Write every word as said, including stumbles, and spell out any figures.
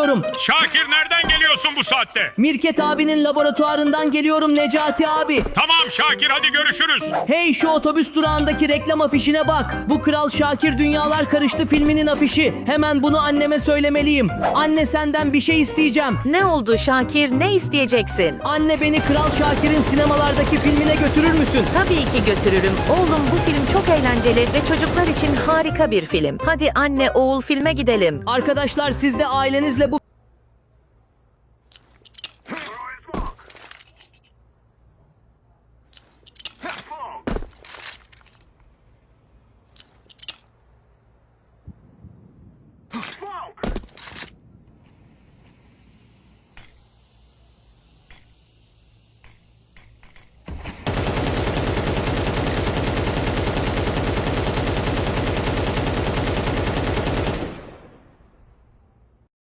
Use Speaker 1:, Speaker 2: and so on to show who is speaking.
Speaker 1: geliyorum.
Speaker 2: Şakir nereden geliyorsun bu saatte?
Speaker 1: Mirket abinin laboratuvarından geliyorum Necati abi.
Speaker 2: Tamam Şakir, hadi görüşürüz.
Speaker 1: Hey, şu otobüs durağındaki reklam afişine bak. Bu Kral Şakir Dünyalar Karıştı filminin afişi. Hemen bunu anneme söylemeliyim. Anne, senden bir şey isteyeceğim.
Speaker 3: Ne oldu Şakir? Ne isteyeceksin?
Speaker 1: Anne, beni Kral Şakir'in sinemalardaki filmine götürür müsün?
Speaker 3: Tabii ki götürürüm. Oğlum, bu film çok eğlenceli ve çocuklar için harika bir film. Hadi anne oğul filme gidelim.
Speaker 1: Arkadaşlar, siz de ailenizle